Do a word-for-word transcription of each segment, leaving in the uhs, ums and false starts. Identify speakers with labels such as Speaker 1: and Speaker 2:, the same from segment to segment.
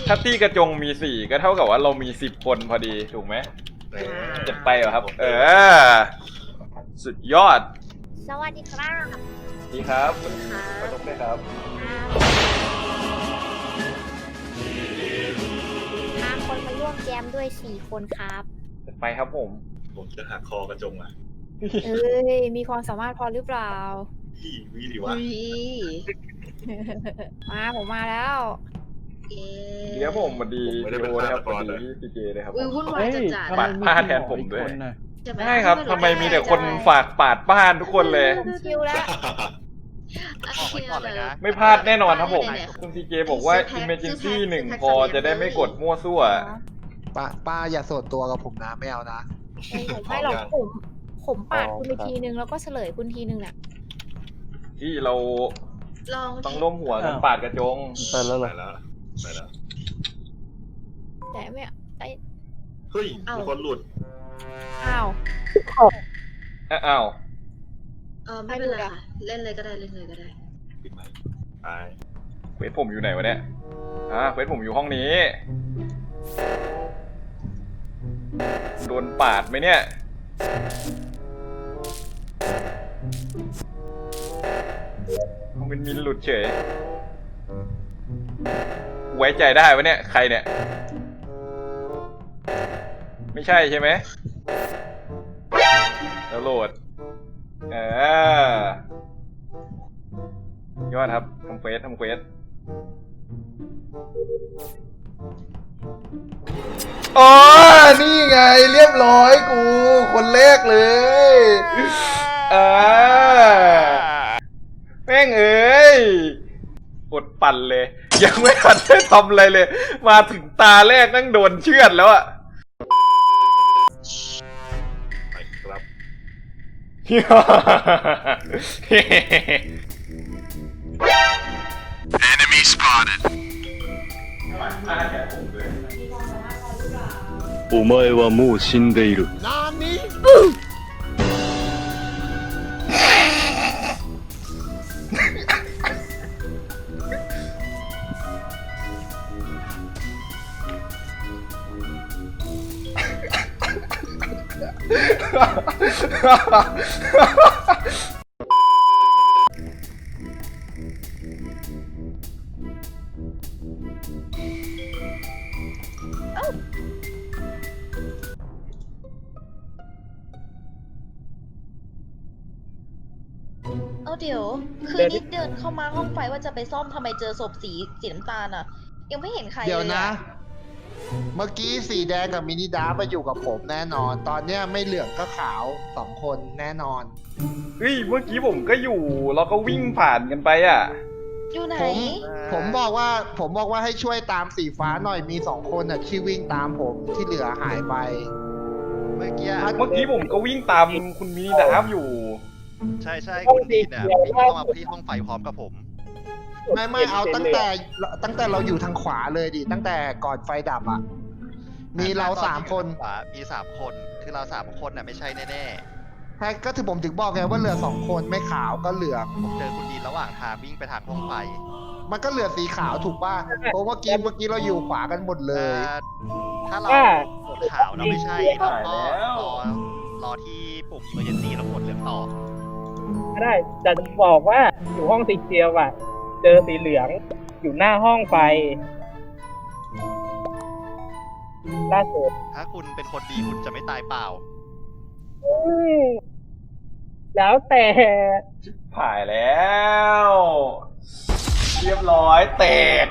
Speaker 1: ถ้าตี้กระจงมีสี่ก็เท่ากับว่าเรามีสิบคนพอดีถูกไหมจะไปเหรอครับ เออสุดยอด
Speaker 2: สวัสดีครับ
Speaker 1: ดีครับ
Speaker 2: สวัสดีครับ
Speaker 1: ขอโทษด้วยครับ
Speaker 2: ห้าคนมาร่วมแจมด้วยสี่คนครับ
Speaker 1: จะไปครับผม
Speaker 3: ผมจะหักคอกระจงอ่ะ
Speaker 2: เอ้ยมีความสามารถพอหรือเปล่า
Speaker 3: พี่วิดีวะ
Speaker 2: มาผมมาแล้ว
Speaker 1: เดี๋ยวผมมาดีโยนะครับมาดีพี่พีเจเลยครับ
Speaker 4: อุ้ยวุ่นวายจัดจัด
Speaker 1: ปาดผ้าแทนผมด้วย
Speaker 4: ใช่ไหม
Speaker 1: ใช่ครับทำไมมีแต่คนฝากปาดบ้านทุกคนเลย
Speaker 2: ชิวแล้ว
Speaker 4: บอกไว้ก่อนเลยนะ
Speaker 1: ไม่พลาดแน่นอนครับผมคุณพีเจบอกว่า emergency หนึ่งพอจะได้ไม่กดมั่วซั่ว
Speaker 5: ป้าป้าอย่าโสดตัวกับผมนะไม่เอานะ
Speaker 2: ผมไม่หรอกผมผมปาดคุณไปทีนึงแล้วก็เฉลยคุณทีนึงแหละ
Speaker 1: ที่เรา
Speaker 4: ลอง
Speaker 1: ต้องร่วมหัวกันปาดกระจง
Speaker 5: ไปแล้วเหร
Speaker 3: ไป
Speaker 5: อ
Speaker 3: แล้วไปแล้ว
Speaker 2: แต่ไม่ไอ
Speaker 3: เฮ้ยมีคนหลุด
Speaker 2: อ้าว
Speaker 1: อ้าว
Speaker 4: เออไม่เป็นไรค่ะเล่นเลยก็ได้เล่นเลยก็ได้
Speaker 3: ปิดไหมไป
Speaker 1: เควสผมอยู่ไหนวะเนี่ยอ่าเควสผมอยู่ห้องนี้ โดนปาดไหมเนี่ยมันเป็นมินหลุดเฉย ไว้ใจได้วะเนี่ย ใครเนี่ย ไม่ใช่ใช่ไหมแล้วโหลด เออยอดครับทำเควสทำเควสอ๋อนี่ไงเรียบร้อยกู คนแรกเลยอ่าแม่งเอ้ยอดปั่นเลย ยังไม่ทันได้ทำอะไรเลย มาถึงตาแรกนั่งโดนเชือดแล้วอะ
Speaker 3: ไปครับ
Speaker 6: Enemy spotted. お前はもう死んでいる。
Speaker 4: เอาเดี๋ยวคืนนี้เดินเข้ามาห้องไฟว่าจะไปซ่อมทำไมเจอศพสีสีน้ำตาลอ่ะ ยังไม่เห็นใครเลย
Speaker 5: เดี๋ยวนะ
Speaker 4: อะ
Speaker 5: เมื่อกี้สีแดงกับมินิดามาอยู่กับผมแน่นอน ตอนเนี้ยไม่เหลืองก็ขาวสองคนแน่นอน
Speaker 1: เฮ้ยเมื่อกี้ผมก็อยู่เราก็วิ่งผ่านกันไปอ่ะ
Speaker 4: อยู่ไหน
Speaker 5: ผมผมบอกว่าผมบอกว่าให้ช่วยตามสีฟ้าหน่อยมีสองคนอ่ะที่วิ่งตามผมที่เหลือหายไป
Speaker 7: เมื่อกี้
Speaker 1: เมื่อกี้ผมก็วิ่งตามคุณมินิดาฟอยู่
Speaker 7: ใช่ใช่คุณดีนเนี่ยวิ่งเข้ามาที่ห้องไฟพร้อมกับผม
Speaker 5: ไม่ไม่เอาตั้งแต่ตั้งแต่เราอยู่ทางขวาเลยดิตั้งแต่ก่อนไฟดับอ่ะ มีเราสามคน
Speaker 7: ขวามีสามคนคือเราสามคนน่ะไม่ใช่แน่
Speaker 5: ใช่ก็ถือผมถึงบอกไงว่าเหลือสองคนไม่ขาวก็เหลือง
Speaker 7: ๆผมเจอคุณดีนระหว่างทางวิ่งไปทางห้องไฟ
Speaker 5: มันก็เหลือสีขาวถูกป่ะเพราะเมื่อกี้เมื่อกี้เราอยู่ขวากันหมดเล
Speaker 7: เอ่
Speaker 5: ย
Speaker 7: อถ้าเรากดขาวเราไม่ใช่เราก็รอรอที่ปุ่ม emergency แล้วกดเหลืองต่อ
Speaker 8: ก็ได้แต่จะบอกว่าอยู่ห้องสีเขียวอ่ะ เจอสีเหลืองอยู่หน้าห้องไฟล่าสุด
Speaker 7: ถ้าคุณเป็นคนดีคุณจะไม่ตายเปล่า
Speaker 8: อืมแล้วแต่
Speaker 1: ผ่ายแล้ว เรียบร้อยแตก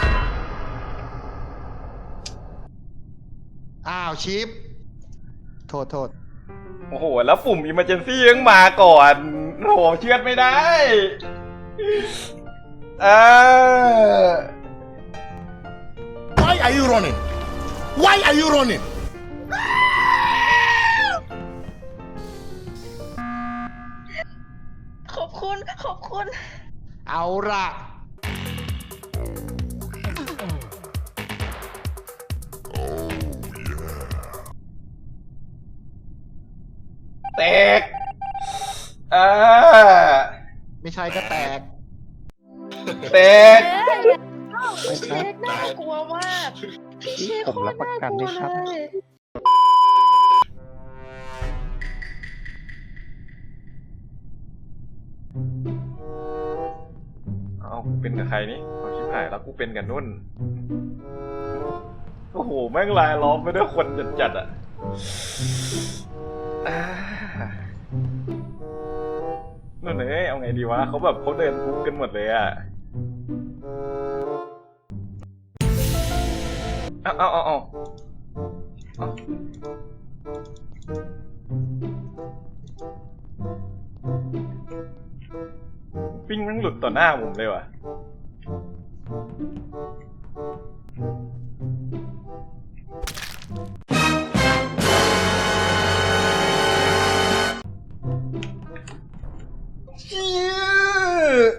Speaker 5: อ้าวชิปโทษโทษ
Speaker 1: โอ้โห แล้วปุ่ม emergency ยังมาก่อนโอ้โหเชือดไม่ได้เออ
Speaker 6: Why are you running? Why are you running?
Speaker 4: ขอบคุณขอบคุณ
Speaker 5: เอาละ
Speaker 1: แตกอ่า
Speaker 5: ไม่ใช่ก็แตก
Speaker 1: แตก
Speaker 2: เอ้ย
Speaker 4: พี่เชคน่ากลัวมากพี่เชคโคตรน่ากลัวเลย
Speaker 1: เอากูเป็นกับใครนี่เอาชิบหายแล้วกูเป็นกับนุ่น โอ้โห แม่งลายล้อมไปด้วยคนจัดๆอ่ะอ่านุ่นเอ้ยเอาไงดีวะเขาแบบเขาเดินปุ๊บกันหมดเลยอ่ะเอาเอาเอาเอาเอาปิ้งแม่งหลุดต่อหน้าผมเลยว่ะเชี่ย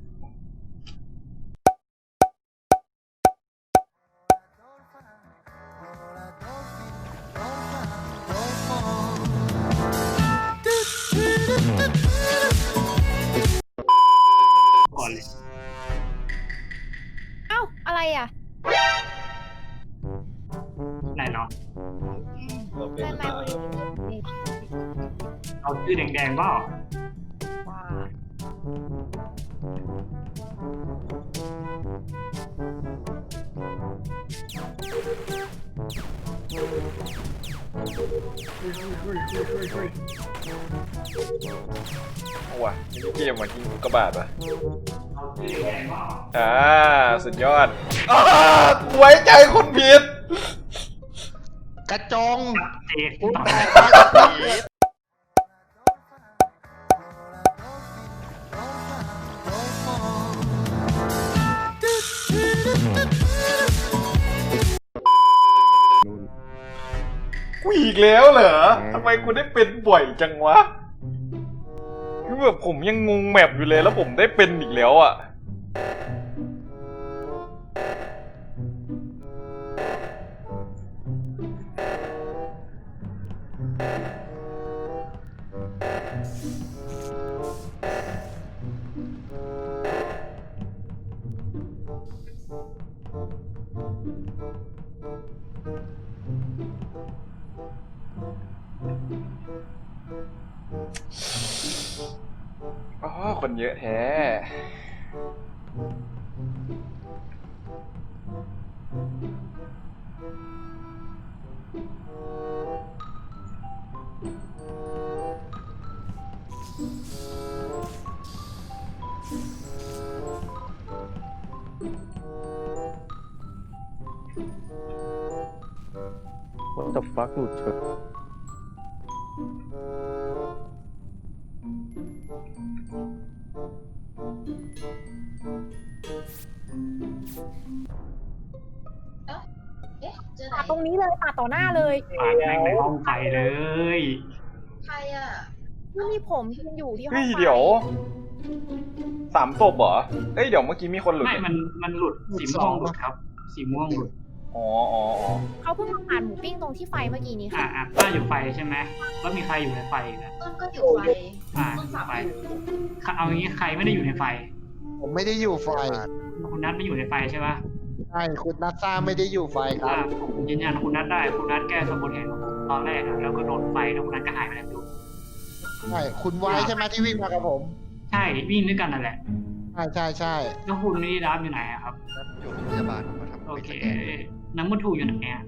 Speaker 2: เอ้าอะไรอ่ะ
Speaker 8: ไหนเนาะ
Speaker 3: เราเป็น
Speaker 2: ไม่
Speaker 3: ตา
Speaker 2: ไม่
Speaker 8: เอาชื่อแดงๆเปล่า
Speaker 2: ว่า
Speaker 1: เอาว่ะมีเกมว่ะยิงกระบาดว่ะ
Speaker 8: เอาชื่อแดงๆเปล่า
Speaker 1: อ่าสุดยอดอ้ากูไว้ใจคนผิด
Speaker 5: กระจง
Speaker 8: เจค
Speaker 5: คุณ
Speaker 8: ต่อ
Speaker 5: แต
Speaker 8: ไป
Speaker 5: ก
Speaker 1: กูอีกแล้วเหรอทำไมกูได้เป็นบ่อยจังวะคือแบบผมยังงงแมปอยู่เลยแล้วผมได้เป็นอีกแล้วอ่ะอ๋อคนเยอะแท้
Speaker 9: What the fuck หลุดเฉย
Speaker 4: เอ๊ะเจอไหน
Speaker 2: ปาดตรงนี้เลยปาดต่อหน้าเลย
Speaker 8: ปาดแม่งในห้องไฟเลย
Speaker 4: ใครอ่ะ
Speaker 2: ที่มีผมยืนอยู่ที่ห้อง
Speaker 1: เฮ้ย
Speaker 2: ไฟ
Speaker 1: เดี๋ยวสามศพเหรอเอ้ยเดี๋ยวเมื่อกี้มีคนหลุด
Speaker 8: ไม่มันมันหลุดสีม่วงหลุดครับ สีม่วงหลุด
Speaker 1: อ๋ออ๋ออ๋อ
Speaker 2: เขาเพิ่งมาผ่านหมูปิ้งตรงที่ไฟเมื่อกี้นี้
Speaker 8: อ่า
Speaker 2: ค่ะ
Speaker 8: อ่ะป้าอยู่ไฟใช่ไหมแล้วมีใครอยู่ในไฟอีกนะ
Speaker 4: ต้นก็อยู่ไฟ
Speaker 8: อ่า
Speaker 4: ต้น
Speaker 8: อยู่
Speaker 4: สับ
Speaker 8: ไฟ
Speaker 4: อยู่
Speaker 8: เอางี้ใครไม่ได้อยู่ในไฟ
Speaker 5: ผมไม่ได้อยู่ไฟ
Speaker 8: คุณนัทไม่อยู่ในไฟใช่ปะ
Speaker 5: ใช่คุณนัทซ่าไม่ได้อยู่ไฟครั
Speaker 8: อ่า
Speaker 5: บ
Speaker 8: ผมยืนยันคุณนัทได้ คุณนัทแก้สมบูรณ์เห็นตอนแรกอะแล้วก็โดนไฟแล้วคุณนัทก็หายไปแล้วดู
Speaker 5: ใช่คุณไว้ใช่ไหมที่วิ่งมากับผม
Speaker 8: ใช่วิ่งด้วยกันนั่นแหละ
Speaker 5: ใช่ใช่ใช่
Speaker 8: แล้วคุณนี่รับอยู่ไหนอะครับ
Speaker 7: อยู่ที่พยาบาลผมมาทำ
Speaker 8: โอเคน้ำมันทูอยู่ไหนอะ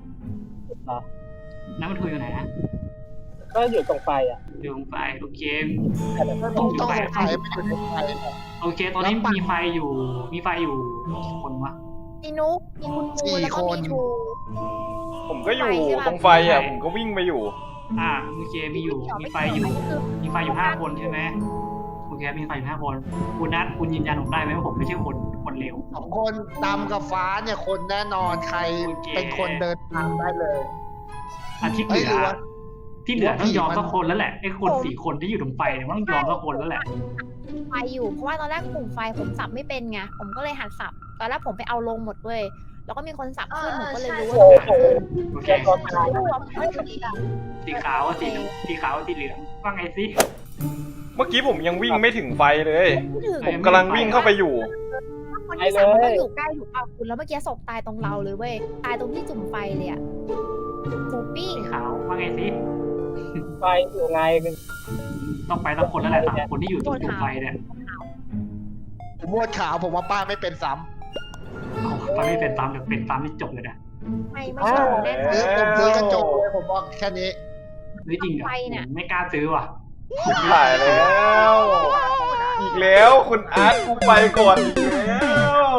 Speaker 8: น้ำมันทูอยู่ไหนนะ
Speaker 9: ก็อยู่ตรงไฟอ่ะ
Speaker 8: อยู่ตรงไฟโอเค
Speaker 5: ต้องต้องสงสัยไม่อยู่ในไฟ
Speaker 8: โอเค ตอนนี้มีไฟอยู่ มีไฟอยู่กี่คนวะ
Speaker 2: มีนุกมีคุณครูแล้วก็มีชู
Speaker 1: ผมก็อยู่ตรงไฟอ่ะผมก็วิ่งไปอยู่
Speaker 8: อ่าโอเคมีอยู่ มีไฟอยู่ มีไฟอยู่ห้าคนใช่ไหมโอเคมีไฟอยู่ห้าคน คุณนัทคุณยืนยันผมได้ไหมว่าผมไม่ใช่คนคนเลว
Speaker 5: สองคนดำกับฟ้าเนี่ยคนแน่นอนใคร
Speaker 8: โอเค
Speaker 5: เป็นคนเดินทางได้เลย
Speaker 8: อาทิตย์เห
Speaker 5: เฮ้ย
Speaker 8: ลื
Speaker 5: หรือ
Speaker 8: อ
Speaker 5: ว่า
Speaker 8: ที่เหลือต้องยอม
Speaker 5: มัน
Speaker 8: สักคนแล้วแหละไอ้คนสี่คนที่อยู่ตรงไฟเนี่ยมันต้องยอมสักคนแล้วแหละ
Speaker 2: ไฟอยู่เพราะว่าตอนแรกกลุ่มไฟผมสับไม่เป็นไงผมก็เลยหัดสับตอนแรกผมไปเอาลงหมดเลยแล้วก็มีคนสับขึ้นผมก็เลยรู้ว่า
Speaker 8: โอเค
Speaker 2: รวมเฮ้ย
Speaker 8: สีขาวสีสีขาวสีเหลืองว่าไงสิ
Speaker 1: เมื่อกี้ผมยังวิ่งไม่ถึงไฟเลย
Speaker 2: ไม่ถึง
Speaker 1: ผมกำลังวิ่งเข้าไปอยู่
Speaker 2: ไฟคนที่สามมันต้องอยู่ใกล้ถูกป่ะคุณแล้วเมื่อกี้ศพตายตรงเราเลยเว้ยตายตรงที่จุ่มไฟเลยอะหมูปิ้ง
Speaker 8: สีขาวว่าไงสิ
Speaker 9: ไฟอยู่ไง
Speaker 8: ต้องไปสักคนแล้วแหละสามคนที่อยู่ตรงจุดไฟเนี่ย
Speaker 5: ผมโหวตขาวผมว่าป้าไม่เป็นซ้
Speaker 8: เอาไปไม่เป็นตามเดี๋ยวเป็นตามที่จบเลยนะ
Speaker 2: ไม่ไม่ใช่แน่
Speaker 5: ำซื้อผมซื้อกระจกเลยผมบอกแค่นี้
Speaker 8: หรือจริงเหรอ
Speaker 2: ไฟเนี่ย
Speaker 8: ไม่กล้าซื้อว่ะ
Speaker 1: ถ่ายแล้ว อีกแล้วคุณอาร์ตกูไปก่อนอีกแล้ว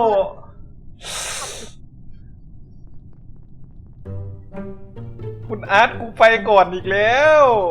Speaker 1: คุณอาร์ตกูไปก่อนอีกแล้ว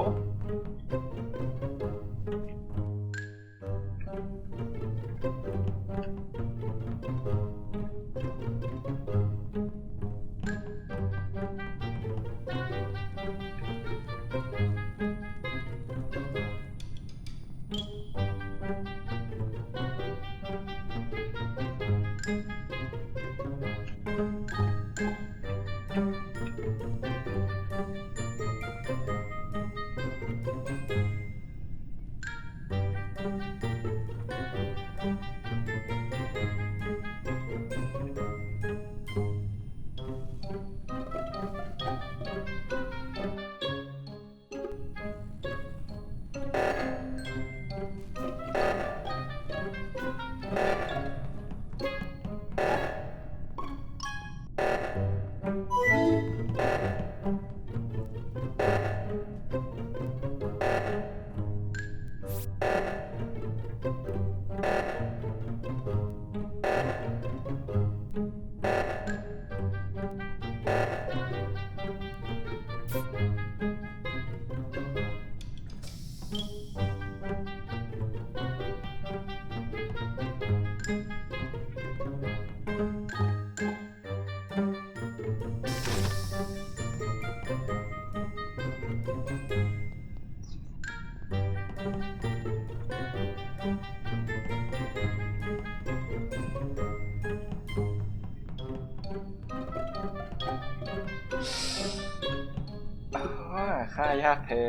Speaker 1: อ่าค่ายากแท้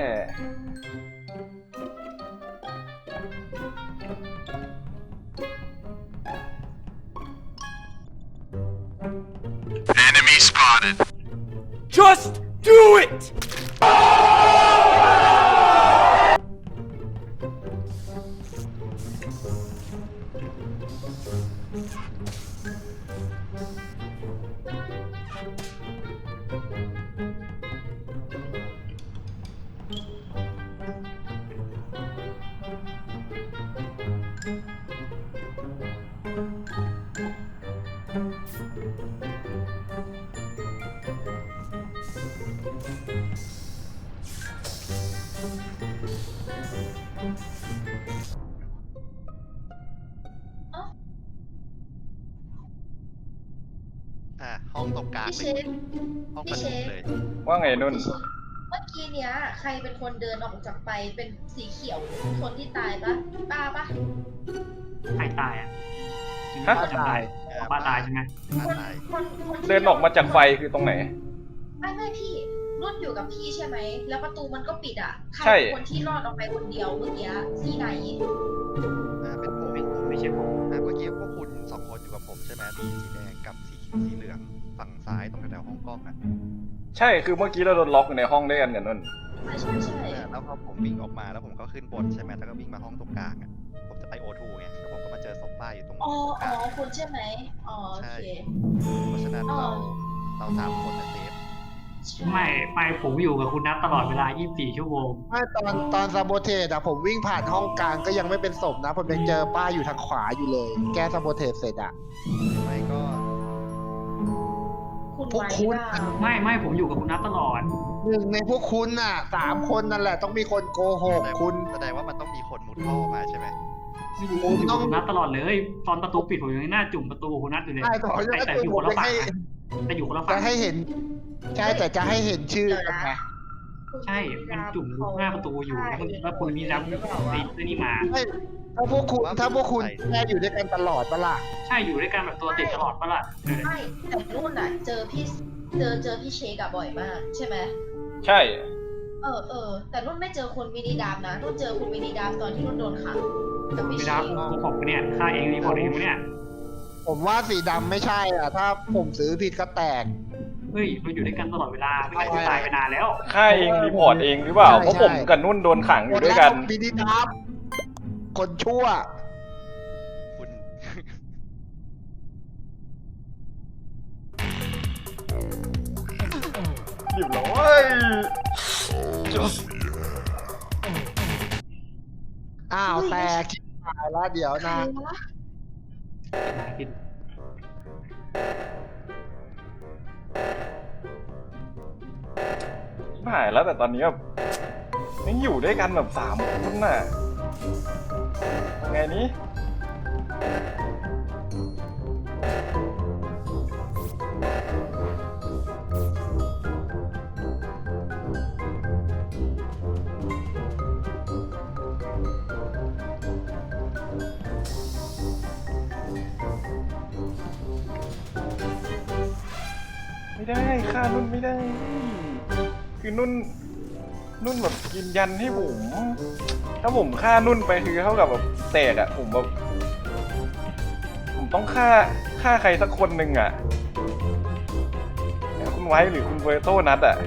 Speaker 6: Enemy spotted.
Speaker 10: Just do it!
Speaker 7: อ่ะห้องตรงกลาง
Speaker 4: พี่
Speaker 7: เล
Speaker 4: เช
Speaker 7: ย
Speaker 4: ฟ
Speaker 7: ห้องป
Speaker 4: พี่
Speaker 7: ระ
Speaker 4: เช
Speaker 7: ชุม
Speaker 4: ฟ
Speaker 7: เลย
Speaker 1: ว่าไงนุ่น
Speaker 4: เมื่อกี้เนี้ย ใครเป็นคนเดินออกจากไปเป็นสีเขียวคนที่ตายปะป้าปะ
Speaker 8: ใครตายอ่ะ
Speaker 1: ฮะ
Speaker 8: จำได้ป้าตายใช่ไหม
Speaker 7: ป้า
Speaker 4: คน
Speaker 7: ตาย
Speaker 4: คนคนที่
Speaker 1: เดินออกมาจากไฟคือตรงไหน
Speaker 4: ไม่ไม่พี่รุ่นอยู่กับพี่ใช่ไหมแล้วประตูมันก็ปิดอ่ะใคร
Speaker 1: ใช่
Speaker 4: เป็นคนที่รอดออกไปคนเดียวเมื่อกี้สีไหน
Speaker 7: อ่าเป็นผม
Speaker 8: ไม่ไม่ใช่ผม
Speaker 7: อ่าเมื่อกี้พวกคุณสองคนอยู่กับผมใช่ไหมมีสีแดงกับสีสีเหลืองฝั่งซ้ายตรงแถวๆห้องกล้องอ่ะ
Speaker 1: ใช่คือเมื่อกี้เราโดนล็อกอยู่ในห้องด้วยกันกับนุ่น
Speaker 4: ใช่ใช่ใช่
Speaker 7: อ่าแล้วพอผมวิ่งออกมาแล้วผมก็ขึ้นบนใช่ไหมแล้วก็วิ่งมาห้องตรงกลางอ่ะผมจะไปโอทูไงแล้วผมก็มาเจอศพป้าอยู่ตรง
Speaker 4: อ๋อ
Speaker 7: ตรงก
Speaker 4: อ๋อ
Speaker 7: ลาง
Speaker 4: คุณใช่ไหมอ๋อโอ
Speaker 7: ใช่
Speaker 4: เค
Speaker 7: เพราะฉะนั้น
Speaker 4: อ๋อ
Speaker 7: เราเราสามคนนะเซฟ
Speaker 8: ไม่ไปผมอยู่กับคุณนัทตลอดเวลา ยี่สิบสี่ ชั่วโมง
Speaker 5: ไม่ตอนตอนซาโบเทสอะผมวิ่งผ่านห้องกลางก็ยังไม่เป็นศพนะ ผมยังเจอป้าอยู่ทางขวาอยู่เลย แก้ซาโบเทสเสร็จอะ
Speaker 7: ไม่ก็
Speaker 4: คุณ
Speaker 5: พวก
Speaker 4: ไว้
Speaker 5: คุณ
Speaker 4: ว่า
Speaker 8: ไม่ไม่ผมอยู่กับคุณนัทตลอด
Speaker 5: หนึ่งในพวกคุณน่ะสามคนนั่นแหละต้องมีคนโกหก
Speaker 7: แสดง
Speaker 5: คุณ
Speaker 7: แสดงว่ามันต้องมีคนมุดท่อมาใช่ไหม
Speaker 8: ไม่อยู่อยู่กับคุณนัทตลอดเลย ตอนประตูปิดผมยังหน้าจุ่มประตูกับคุณนัทอยู่เลย
Speaker 5: ใช่ต่อ
Speaker 8: แต่
Speaker 5: จาก
Speaker 8: แต่
Speaker 5: นั้น
Speaker 8: อยู่
Speaker 5: ผ
Speaker 8: ค
Speaker 5: ม
Speaker 8: นละ
Speaker 5: จะ
Speaker 8: ฝั่ง
Speaker 5: ให้
Speaker 8: นะแต่อยู่คนละ
Speaker 5: จะ
Speaker 8: ฝั่ง
Speaker 5: ให้เห็น ใช่แต่จะให้เห็นชื่อกันไง
Speaker 8: ใช่ มันจุ่มหน้าประตูอยู่แล้วมันแล้วคุณมีรับตีนี่มา
Speaker 5: ไม่ถ้าพวกคุณถ้าพวกคุณแค่อยู่ด้วยกันตลอดปะล่ะ
Speaker 8: ใช่อยู่ด้วยกันแบบตัวติดตลอดปะล่ะเออ
Speaker 4: ไม่แต่รุ่นอ่ะ เจอพี่เจอเจอพี่เชคอะบ่อยมาก ใช่ไหม
Speaker 1: ใช่
Speaker 4: เออเออแต่รุ่นไม่เจอคุณมินิดามนะรุ่นเจอคุณมินิดามตอนที่รุ่นโดนขังกับพี่
Speaker 8: ไม่
Speaker 4: เช
Speaker 8: ได้
Speaker 4: ค
Speaker 8: กูผมเนี่ยฆ่าเองรีพอร์ตเองเนี่ย
Speaker 5: ผมว่าสีดำไม่ใช่อ่ะ ถ้าผมซื้อผิดก็แตก
Speaker 8: เฮ้ยเราอยู่ด้วยกันตลอดเวลาไม่งั้นกูตายไปนานแล้ว
Speaker 1: ฆ่าเองรีพอร์ตเองหรือเปล่า
Speaker 5: ใช่
Speaker 1: เพราะผม
Speaker 5: ใช่
Speaker 1: กับนุ่นโดนขังอยู่ด้วยกัน
Speaker 5: บินิดับคนชั่ว
Speaker 7: คุณ
Speaker 1: เรียบร้อย
Speaker 5: อ้าวแตกชิบหายแล้วเดี๋ยวนะ
Speaker 1: หายแล้วแต่ตอนนี้แบบยังอยู่ด้วยกันแบบสามคนน่ะยังไงนี้ไม่ได้ฆ่านุ่นไม่ได้ คือนุ่นนุ่นแบบยืนยันให้ผมถ้าผมฆ่านุ่นไปคือเท่ากับแบบแตกอะผมแบบผมต้องฆ่าฆ่าใครสักคนหนึ่งอะคุณไว้หรือคุณเวอร์โต้นัดอะ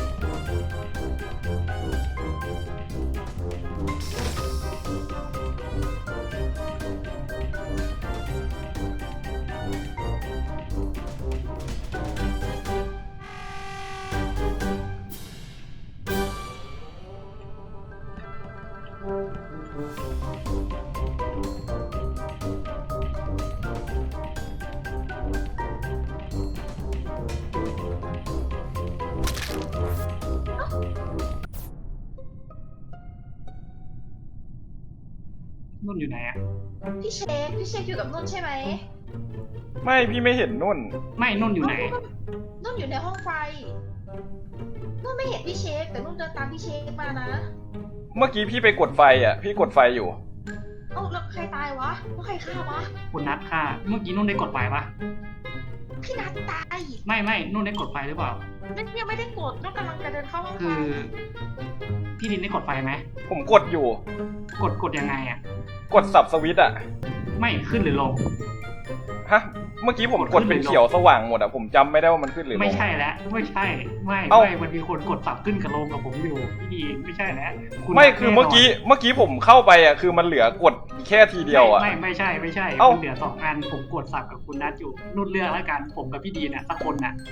Speaker 8: นุ่นอยู่ไหนอะ
Speaker 4: พี่เชคพี่เชคอยู่กับนุ่นใช่ไหม
Speaker 1: ไม่พี่ไม่เห็นนุ่น
Speaker 8: ไม่นุ่นอยู่ไหน
Speaker 4: นุ่นอยู่ในห้องไฟนุ่นไม่เห็นพี่เชคแต่นุ่นเดินตามพี่เชคมานะ
Speaker 1: เมื่อกี้พี่ไปกดไฟอะพี่กดไฟอยู่
Speaker 4: เอ้าแล้วใครตายวะแล้วใครฆ่าวะ
Speaker 8: คุณนัทค่ะ เมื่อกี้นุ่นได้กดไฟปะ
Speaker 4: พี่นัทตาย
Speaker 8: ไม่ไม่นุ่นได้กดไฟหรือเปล่า
Speaker 4: นั่นยังไม่ได้กดนุ่นกำลังจะเดินเข้าห้องไฟ
Speaker 8: คือพี่ดินได้กดไฟไหม
Speaker 1: ผมกดอยู่
Speaker 8: กดกดยังไงอะ
Speaker 1: กดสับสวิตช์อะ
Speaker 8: ไม่ขึ้นหรือลง
Speaker 1: ฮะเมื่อกี้ผมกดเป็นเขียวสว่างหมดอะผมจำไม่ได้ว่ามันขึ้นหรือลง
Speaker 8: ไม่ใช่แล้วไม่ใช่ไม่
Speaker 1: เอ้า
Speaker 8: ไม่มันมีคนกดสับขึ้นกับลงกับผมอยู่พี่ดีไม่ใช่แล้วณ
Speaker 1: ไม่
Speaker 8: นัท
Speaker 1: คือเมื่อกี้เมื่อกี้ผมเข้าไปอะคือมันเหลือกดแค่ทีเดียวอะ
Speaker 8: ไม่ไม่ไม่ใช่ไม่ใช่
Speaker 1: เอ้า
Speaker 8: มันเหลือสองอันผมกดสับกับคุณนัทอยู่นุ่นเลือกแล้วกันผมกับพี่ดีน่ะสักคนน่ะ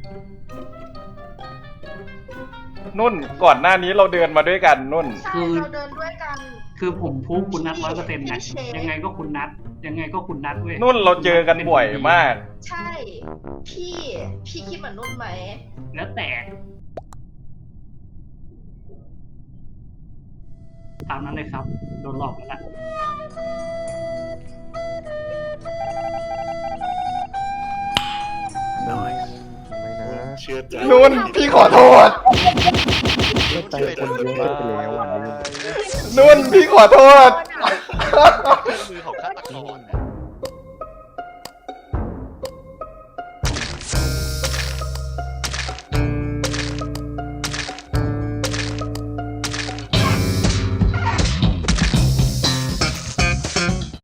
Speaker 1: นุ่นก่อนหน้านี้เราเดินมาด้วยกันนุ่น
Speaker 4: ใช่เราเดินด้วยกัน
Speaker 8: คือผมพูดคุณนัทร้อยเปอร์เซ็นต์
Speaker 4: พี่
Speaker 8: นะ
Speaker 4: เชฟ
Speaker 8: ยังไงก็คุณนัทยังไงก็คุณนัทเว้ย
Speaker 1: นุ่นเราเจอกันบ่อยมาก
Speaker 4: ใช่ พี่ พี่คิดเหมือนนุ่นไหม
Speaker 8: แล้วแต่ตามนั้นเลยครับโดนหลอกแล้วล่ะ
Speaker 3: เชื่อใจ
Speaker 1: นุ่นพี่ขอโทษ
Speaker 3: เชื่อใจคนเยอะไปแล้ววันนี้
Speaker 1: นุ่นพี่ขอโทษ
Speaker 7: เครื่องมือของฆาตกร